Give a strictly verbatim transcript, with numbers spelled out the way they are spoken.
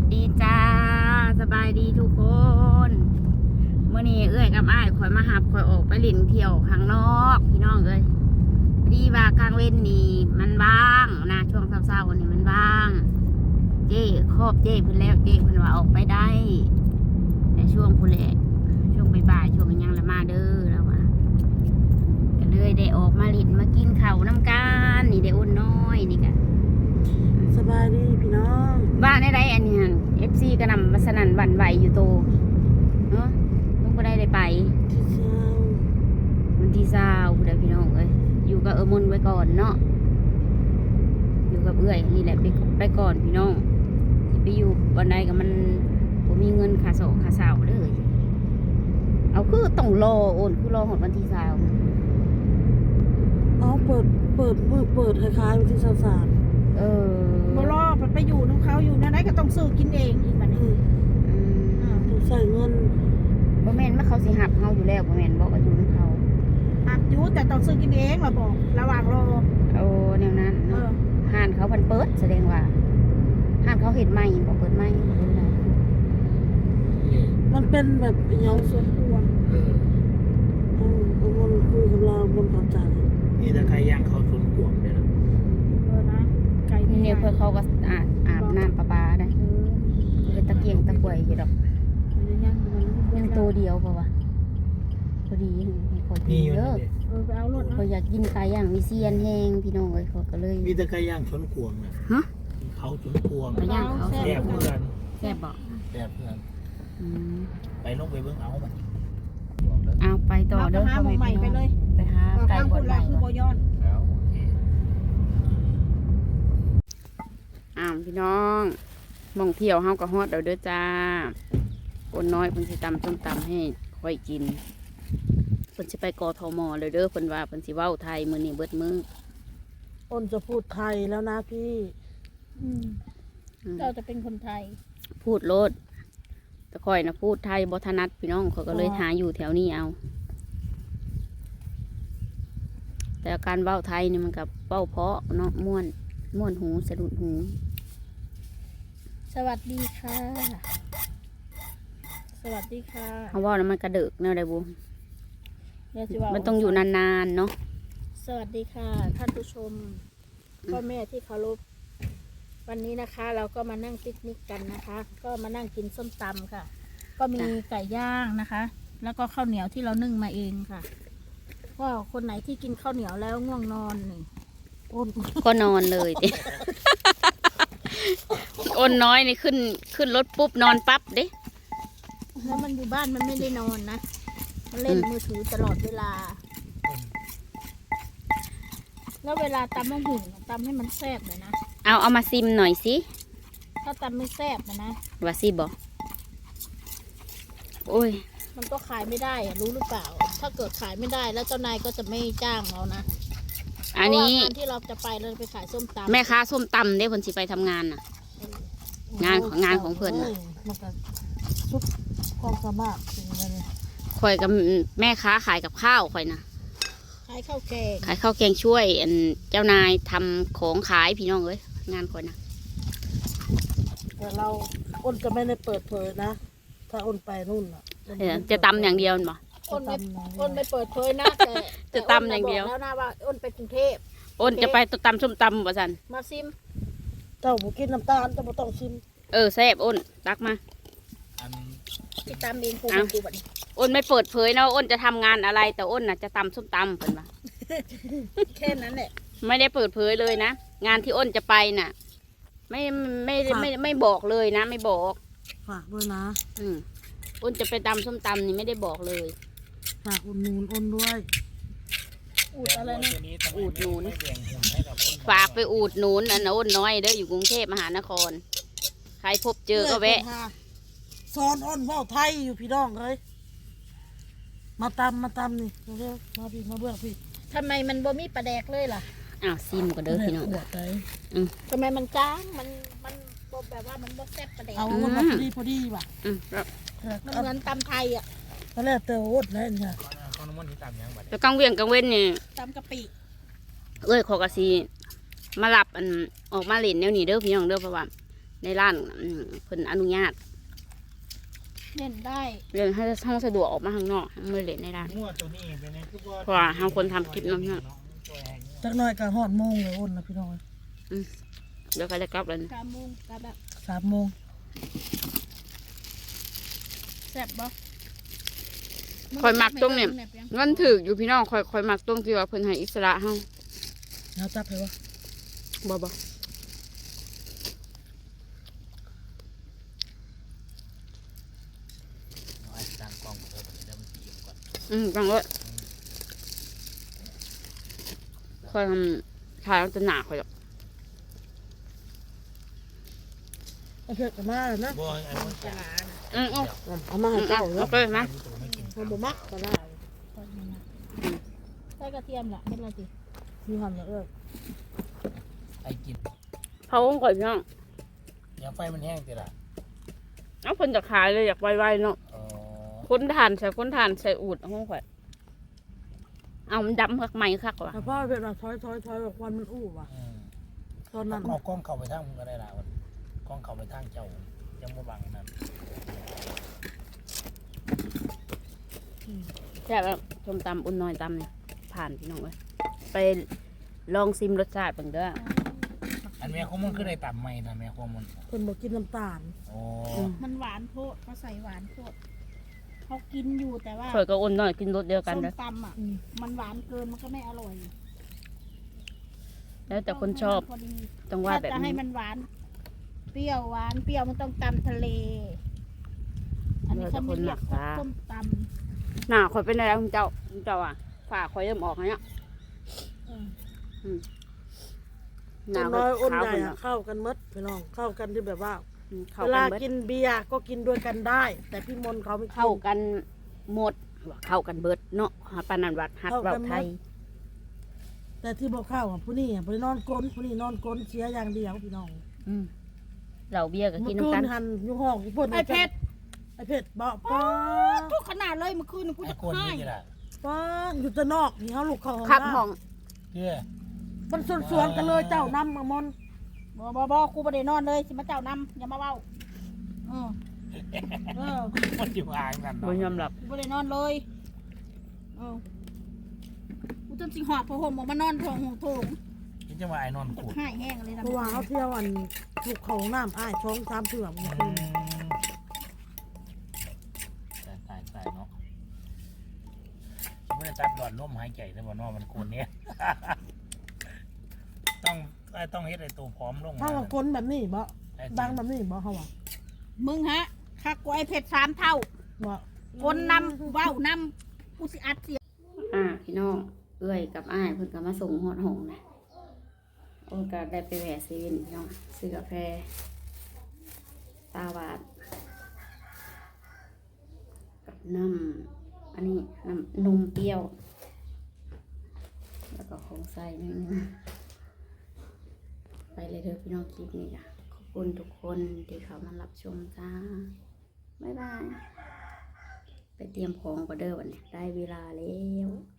ดีจ้าสบายดีทุกคนเมื่อนี้เอ้ยกับอ้ายคอยมาหับคอยออกไปเล่นเที่ยวข้างนอกพี่น้องเอ้ยพอดีว่ากลางเว้นนี่มันว่างนะช่วงเช้าๆวันนี้มันว่างเจ้ครอบเจ้เพิ่นแล้วเจ้เพิ่นว่าออกไปได้แต่ช่วงพุ่นแหละช่วงบ่ายๆช่วงยังละมาเด้อแล้วว่าก็เลยได้ออกมาเล่นมากินข้าวน้ำกันนี่ได้อุ่นน้อยนี่กันสบายดีพี่น้องบ้านได้ไรอันนี้เอฟซีก็นำมาสนั่นหวั่นไหวอยู่โตเนาะลุงก็ได้ได้ไปมันที่เศร้าเดี๋ยวพี่น้องเอ้ยอยู่กับเออมนไว้ก่อนเนาะอยู่กับเอื้อยนี่แหละไปไปก่อนพี่น้องที่ไปอยู่วันใดกับมันผมมีเงินค่าโศกค่าเศร้าเลยเอาคือต้องรอโอนคือรอหดวันที่เศร้าอ๋อเปิดเปิดมือเปิดคล้ายๆวันที่สามสามเออบ่รอมันไปอยู่น้ำเขาอยู่นั่นได้ก็ต้องซื้อกินเองอีกบัดนี้ต้องใส่เงินบ่แม่นว่าเขาสิหับเฮาอยู่แล้วบ่แม่นบอกว่าอยู่นำเขาหักอยู่แต่ต้องซื้อกินเองล่ะบอกระหว่างรอโอ้แนวนั้นเนาะห้านเขาเพิ่นเปิดแสดงว่าห้านเขาเฮ็ดใหม่บ่เปิดใหม่มันเป็นแบบยังส่วนรวมเออเอาเงินคุยกับเราบนเขาจ่ายนี่ถ้าใครย่างเขาสวนกวงเลยนะเออนะไก่นี่เนี่ยเพื่อเขาก็อาบอาบน้ำประปาได้เป็นตะเกียงตะกวยอยู่ดอกยังตัวเดียวเปล่าวะพอดีขอกินเยอะเออไปเอารถเขาอยากกินไก่ย่างมีเซียนแห้งพี่น้องเลยเขาก็เลยมีแต่ใครย่างสวนกวงนะฮะเขาสวนกวงไปย่างเขาแซ่บเพื่อนแซ่บบอกแซ่บเพื่อนไปลงไปเบิ้งเอามันเอาไปต่อเด้อเขาใหม่ไปเลยไปหาไก่บดใหม่คือโบย้อนแล้วโอเคอ้าวพี่น้องมองเที่ยวเฮาก็ฮอดเด้อเด้อจ้าคนน้อยเพิ่นสิตำส้มตำให้ค่อยกินเพิ่นสิไปกทมเลยเด้อเพิ่นว่าเพิ่นสิเว้าไทยมื้อนี้เบิดมื้ออ้นจะพูดไทยแล้วนะพี่เราจะเป็นคนไทยพูดโลดแต่ค่อยนะพูดไทยบ่ถนัดพี่น้องเขาก็เลยหาอยู่แถวนี้เอาแต่การเว้าไทยนี่มันกับเว้าเพาะเนาะม่วนม่วนหูสะดุดหูสวัสดีค่ะสวัสดีค่ะเขาว่าแล้วมันกระเดิกเนาะได้บุมันต้องอยู่นานๆเนาะสวัสดีค่ะท่านผู้ชมพ่อแม่ที่เคารพวันนี้นะคะเราก็มานั่งปิกนิกกันนะคะก็มานั่งกินส้มตำค่ะก็มีไก่ย่างนะคะแล้วก็ข้าวเหนียวที่เรานึ่งมาเองค่ะก็คนไหนที่กินข้าวเหนียวแล้วง่วงนอนนี่ก็นอนเลยอ้นน้อยนี่ขึ้นขึ้นรถปุ๊บนอนปั๊บเด้แล้วมันอยู่บ้านมันไม่ได้นอนนะมันเล่นมือถือตลอดเวลาแล้วเวลาตำมะหุ่นตำให้มันแซ่บเลยนะเอาเอามาซิมหน่อยสิถ้าตำไม่แซ่บนะนะว่าซิบอกโอ้ยมันก็ขายไม่ได้รู้หรือเปล่าถ้าเกิดขายไม่ได้แล้วเจ้านายก็จะไม่จ้างเรานะอันนี้งานที่เราจะไปเราไปขายส้มตำแม่ค้าส้มตำได้คนสิไปทำงานน่ะงานของงานของเพื่อนน่ะสุดความสามารถจริงเลยข่อยกับแม่ค้าขายกับข้าวข่อยนะขายข้าวแกงขายข้าวแกงช่วยอันเจ้านายทำของขายพี่น้องเอ้ยงานข่อยนะแต่เราอ้นจะไม่ได้เปิดเผยนะถ้าอ้นไปนู่นอ่ะจะตำอย่างเดียวบ่อ้นไม่อ้นไม่เปิดเผยนะแต่จะตำอย่างเดียวแล้วนะว่าอ้นไปกรุงเทพอ้นจะไปตำส้มตำบ่สันมาซิมเจ้าบุกินน้ำตาลเจ้าบ่ต้องซิมเออแซ่บอ้นตักมาติดตามเองกูกูแบบนี้อ้นไม่เปิดเผยนะอ้นจะทำงานอะไรแต่อ้นน่ะจะตำส้มตำเพิ่นว่าแค่นั้นแหละไม่ได้เปิดเผยเลยนะงานที่อ้นจะไปน่ะไม่ไม่ไม่ไม่บอกเลยนะไม่บอกฝากด้วยนะอืมอ้นจะไปตำส้มตำนี่ไม่ได้บอกเลยฝากอุ่นนูนอ้นด้วยอูดอะไรนะอูดหนูนฝากไปอูดหนูนอันอ้นน้อยเด้ออยู่กรุงเทพมหานครใครพบเจอก็แวะสอนอ้นเว้าไทยอยู่พี่น้องเลยมาตำมาตำนี่มาเรื่อมาพี่มาเบื่อพี่ทำไมมันบ่มีปลาแดกเลยล่ะอ้าวซิมก็เด้อพี่น้องทำไมมันจ้างมันมันแบบว่ามันบ่แซ่บปลาแดกเอาอ้นมาพอดีพอดีว่ะมันเหมือนตำไทยอ่ะตอนแรกเตออ้นเลยเนี่ยแต่กังเวียงกังเว้นนี่ตำกะปิเอ้ยขอกระซีมาหลับอันออกมาเล่นแนวนี้เด้อพี่น้องเด้อเพราะว่าในร้านอืมเพิ่นอนุญาตเล่นได้เรื่องให้ห้องสะดวกออกมาข้างนอกมือเล่นในร้านงัวตัวนี้เป็นไงคือเพราะว่าทางคนทำคลิปน้ำเนี่ยจักหน่อยก็ฮอดโมงเลยอ้นนะพี่น้องเดี๋ยวก็ได้กลับแล้วกามุงกาแบบสามโมงแซ่บบ่คอยมักตรงเนี่ยเงินถืออยู่พี่น้องคอยคอยมักตรงที่ว่าเพิ่นให้อิสระเฮาแล้วจับให้วะบ่บ่ตั้งกล้องเพิ่มเดี๋ยวมันสีก่อนอืมจังเลยคอยทำถ่ายเอาแตหนาคอยหรอกไอ้เผ็ดก็มาแล้วนะบ่ไอ้คนจะอืมเอาเอามาให้เจ้าเนาะเอาไปมาไม่กินเอาบ่มักก็ได้ใส่กระเทียมล่ะเม็ดละติมีความละเอิ้นไอ้กินเผาของข่อยพี่น้องยังไฟมันแห้งติล่ะเอาเพิ่นจะขายเลยอยากไวๆเนาะอ๋อคนทานใส่คนทานใส่อูดเอาของข่อยเอามันดำคักไหมคักว่ะแต่พ่อเผ็ดว่าถอยถอยถอยแบบควันมันอู้ว่ะอืมตอนนั้นเอากล้องเข้าไปทางมึงก็ได้ล่ะวันกล้องเข้าไปทางเจ้ายังบ่บังนั่นแซ่บแล้วส้มตำอุ่นน้อยตำเนี่ยผ่านพี่น้องเว้ยไปลองซิมรสชาติเบิ่งเด้ออันแม่ของมึงคือได้ต่ำไหมนะแม่ของมึงเพิ่นบ่กินน้ำตาลโอ้มันหวานโพดเขาใส่หวานโพดเขากินอยู่แต่ว่าข่อยก็อุ่นน้อยกินรสเดียวกันส้มเด้อตำอ่ะอืมมันหวานเกินมันก็ไม่อร่อยแล้วแต่คนชอบพอดีต้องว่าถ้าแบบจะให้นี้มันหวาน เปรี้ยวหวานเปรี้ยวมันต้องตำทะเล อันนี้เขาไม่เรียกว่าส้มตหน้าข่อยเป็นอะไรคุณเจ้าคุณเจ้าอ่ะฝาข่อยเริ่มออกแล้วเนี่ยำเออหน้าต้นข่น้ออยยอ้นขาวใหญ่ขึ้นอะแล้วเข้ากันหมดพี่น้องเข้ากันที่แบบว่าเข้าเวกัลานเบิดกินเบียร์ก็กินด้วยกันได้ แต่พี่มนต์เขาไม่กินเข้ากันหมดว่าเข้ากันเบิดเนาะหาปานนันวัดฮักเข้ากันเว้าไทยหมด แต่ที่บอกเข้าอ่ะผู้นี้อ่ะผู้นี้นอนก้นผู้นี้นอนก้นเสียอย่างเดียวพี่น้องอืมเหล่าเบียร์ก็เมื่กิอน คืน้ำกัน นหันอยู่ห้องอีพ่นไอเพชรไอเผ็ดบอกป้าทุกขนาดเลยเมื่อคืนกูไอ้จะคนให้นี่ติล่ะป้าอยู่แต่นอกนี่เขาลูกเขาห้องครับน้ำห้องเด้อมันสวนๆกันเลยเจ้านำมามนบอบอบอกูไม่ได้นอนเลยสิมาเจ้านำอย่ามาเว้าเออเออมันอยู่ห่างกันบ่เนาะยอมรับกูไม่ได้นอนเลยเออกูจนสิหอบผ้าห่มออกมานอนทองหงโถงคิดจะว่าไอ้นอนขูดให้แห้งเลยนะเพราะว่าเขาเที่ยวอันลูกเขาห้องน้ำอ้ายช่องสามเถื่อมอืเมื่อคืนมตายตายตายเนาะไม่ได้ตัดหลอดลมหายใจแต่ว่านอกมันโกนเนี้ย ต้องต้องเฮ็ดไอ้ตัวพร้อมลงเขามาว่าก้นแบบนี้บ่ไอ้ดังแบบนี้บ่เขาว่ามึงฮะคักกูไอเพชรสามเท่าบ่คนนำเว้านำกูสิอัดเสียงอ่าพี่น้องเอื้อยกับอ้ายเพิ่นก็มาส่งฮอดห้องนะโอ้ก็ได้ไปแหวะเซเว่นพี่น้องซื้อกาแฟตาหวาดกับน้ำอันนี้น้ำนมเปรี้ยว แล้วก็ของใส่นิดนึงไปเลยเถอะพี่น้องคลิปนี้จ้ะขอบคุณทุกคนที่เขามารับชมจ้า บ๊ายบาย ไปเตรียมของก็เด้อวันนี้ได้เวลาแล้ว